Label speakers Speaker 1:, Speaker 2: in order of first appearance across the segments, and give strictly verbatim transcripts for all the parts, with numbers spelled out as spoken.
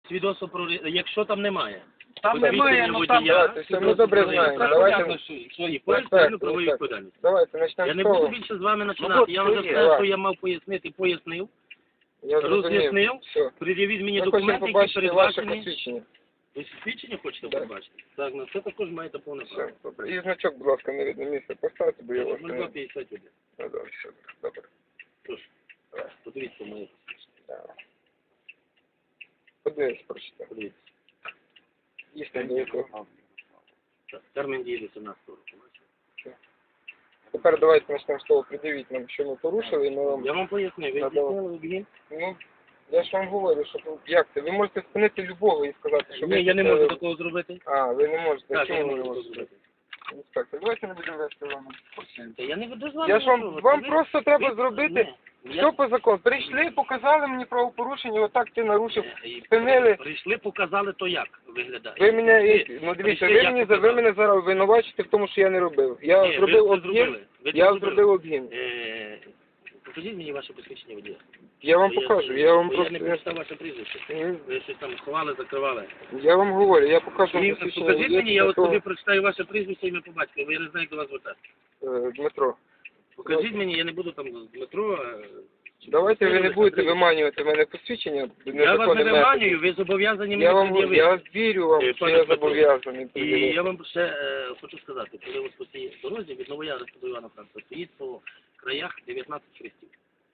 Speaker 1: свідоцтво про ре- якщо там немає.
Speaker 2: Там немає, ну там...
Speaker 3: Давайте, все, ми добре знаємо. Давайте,
Speaker 1: свої
Speaker 3: так,
Speaker 1: правові
Speaker 3: так.
Speaker 1: відповідальність.
Speaker 3: давайте почнемо
Speaker 1: Я
Speaker 3: з
Speaker 1: не буду
Speaker 3: того.
Speaker 1: більше з вами
Speaker 2: Ну,
Speaker 1: починати.
Speaker 2: от
Speaker 1: Я вже
Speaker 2: це є.
Speaker 1: все, що я мав пояснити, пояснив.
Speaker 3: Я зрозумів.
Speaker 1: Роз'яснив.
Speaker 3: Все.
Speaker 1: Пред'явіть мені
Speaker 3: Ми хочемо
Speaker 1: документи, які
Speaker 3: побачити ваше
Speaker 1: передбачені.
Speaker 3: посвідчення.
Speaker 1: Ви свідчення хочете
Speaker 3: Так.
Speaker 1: побачити? Так, на це також маєте повне право.
Speaker 3: Все, добре. І значок, будь ласка, на видне місце поставте, бо я вас
Speaker 1: нуль
Speaker 3: не...
Speaker 1: два п'ятдесят один.
Speaker 3: Ну, добре, все, добре.
Speaker 1: Прошу. Подивіться моє посвідчення.
Speaker 3: Да. Подивись, прочитай.
Speaker 1: Подивіться.
Speaker 3: Дійсно, до якого.
Speaker 1: Так, термін дії вісімнадцятого року. бачите?
Speaker 3: Тепер давайте почнемо з того, придивіть нам, що ми порушили, і ми вам...
Speaker 1: Я вам пояснив, ви
Speaker 3: Надав.
Speaker 1: здійснили обгін?
Speaker 3: Ну, я ж вам говорю, що ви- як це? Ви можете спинити любого і сказати, що ви...
Speaker 1: Ні, я не
Speaker 3: це-
Speaker 1: можу такого зробити.
Speaker 3: А, ви не можете.
Speaker 1: Так, я не
Speaker 3: Чому ви
Speaker 1: можу
Speaker 3: не
Speaker 1: такого
Speaker 3: можете?
Speaker 1: зробити.
Speaker 3: Інспектор, давайте не будемо вести вам екскурсію.
Speaker 1: Та я не веду з вами.
Speaker 3: Я ж вам,
Speaker 1: нічого.
Speaker 3: вам
Speaker 1: Ви-
Speaker 3: просто треба
Speaker 1: ви-
Speaker 3: зробити
Speaker 1: Ні,
Speaker 3: все
Speaker 1: я-
Speaker 3: по закону. Прийшли, показали мені правопорушення, отак ти нарушив,
Speaker 1: Е,
Speaker 3: спинили.
Speaker 1: Прийшли, показали, то як виглядає.
Speaker 3: Ви мене,
Speaker 1: Прийшли,
Speaker 3: ну дивіться,
Speaker 1: прийшли,
Speaker 3: ви
Speaker 1: як
Speaker 3: мені, за- ви
Speaker 1: показали.
Speaker 3: мене зараз винувачите в тому, що я не робив. Я
Speaker 1: Ні, ви
Speaker 3: зробив
Speaker 1: це
Speaker 3: обгін,
Speaker 1: зробили. Ви це
Speaker 3: я
Speaker 1: зробили.
Speaker 3: зробив обгін.
Speaker 1: Е, Покажіть мені ваше посвідчення водія.
Speaker 3: Я вам
Speaker 1: Бо
Speaker 3: покажу, я вам
Speaker 1: бо
Speaker 3: просто...
Speaker 1: Я не прочитав ваше прізвище. Ви щось там ховали, закривали.
Speaker 3: Я вам говорю, я покажу вам
Speaker 1: І
Speaker 3: посвідчення
Speaker 1: покажіть
Speaker 3: водія,
Speaker 1: мені, я от
Speaker 3: такого,
Speaker 1: тобі прочитаю ваше прізвище і ім'я по батькові, бо я не знаю, як до вас звертатися.
Speaker 3: е, Дмитро.
Speaker 1: Покажіть мені, я не буду там з Дмитро. е,
Speaker 3: Давайте ви не
Speaker 1: Андрій.
Speaker 3: будете виманювати мене посвідчення.
Speaker 1: Я вас не
Speaker 3: незаконним методом.
Speaker 1: виманюю, ви зобов'язані
Speaker 3: Я
Speaker 1: мені
Speaker 3: вам
Speaker 1: пред'явити.
Speaker 3: я вірю вам,
Speaker 1: Е,
Speaker 3: що
Speaker 1: пане
Speaker 3: я
Speaker 1: Дмитро,
Speaker 3: зобов'язаний.
Speaker 1: І
Speaker 3: пред'явити.
Speaker 1: я вам ще е, хочу сказати, коли ось по цій дорозі від Новоярська до Івана Франка стоїть по краях дев'ятнадцять хрестів.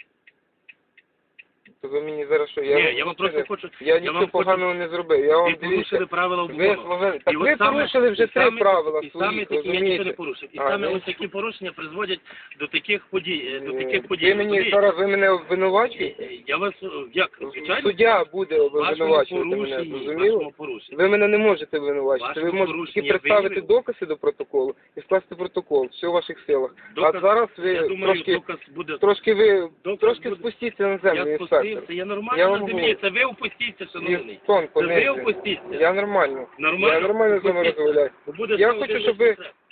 Speaker 3: То ви мені зараз що?
Speaker 1: Ні, я вам
Speaker 3: нічого
Speaker 1: просто
Speaker 3: не-
Speaker 1: хочу...
Speaker 3: Я
Speaker 1: я
Speaker 3: нічого
Speaker 1: вам
Speaker 3: поганого не зробив. Я вам
Speaker 1: Ви порушили
Speaker 3: дивіться.
Speaker 1: правила
Speaker 3: Ви
Speaker 1: обгону.
Speaker 3: словили.
Speaker 1: І
Speaker 3: Так
Speaker 1: от
Speaker 3: ви
Speaker 1: саме-
Speaker 3: порушили вже
Speaker 1: і
Speaker 3: три
Speaker 1: саме-
Speaker 3: правила
Speaker 1: І саме
Speaker 3: своїх,
Speaker 1: такі я нічого не
Speaker 3: розумієте?
Speaker 1: порушив. І
Speaker 3: А,
Speaker 1: саме
Speaker 3: ну,
Speaker 1: ось такі порушення призводять до таких подій. е, До
Speaker 3: е,
Speaker 1: таких подій.
Speaker 3: Ви мені
Speaker 1: Подій-
Speaker 3: зараз ви мене обвинувачуєте?
Speaker 1: Е, Я вас, е, як, звичайно,
Speaker 3: Суддя буде
Speaker 1: вашому
Speaker 3: обвинувачувати мене,
Speaker 1: порушенні,
Speaker 3: зрозуміло?
Speaker 1: вашому порушенні.
Speaker 3: Ви мене не можете обвинувачити. Ви
Speaker 1: Вашому
Speaker 3: можете
Speaker 1: порушенні
Speaker 3: тільки представити
Speaker 1: виявив.
Speaker 3: докази до протоколу і скласти протокол. Все в ваших силах.
Speaker 1: Доказ-
Speaker 3: А зараз ви
Speaker 1: я думаю,
Speaker 3: трошки,
Speaker 1: доказ буде...
Speaker 3: трошки ви
Speaker 1: доказ
Speaker 3: трошки
Speaker 1: буде-
Speaker 3: спустіться на землю,
Speaker 1: Я
Speaker 3: інспектор.
Speaker 1: спустився, я нормально
Speaker 3: Я
Speaker 1: на
Speaker 3: вам
Speaker 1: землі.
Speaker 3: говорю.
Speaker 1: Це ви опустіться, шановний.
Speaker 3: Ні, тонко,
Speaker 1: Це ви
Speaker 3: не.
Speaker 1: опустіться.
Speaker 3: Я нормально.
Speaker 1: Нормально?
Speaker 3: Я нормально з вами
Speaker 1: Опустіться.
Speaker 3: розмовляю.
Speaker 1: Бо буде
Speaker 3: Я
Speaker 1: знову
Speaker 3: хочу,
Speaker 1: дивитися
Speaker 3: щоб ви
Speaker 1: це.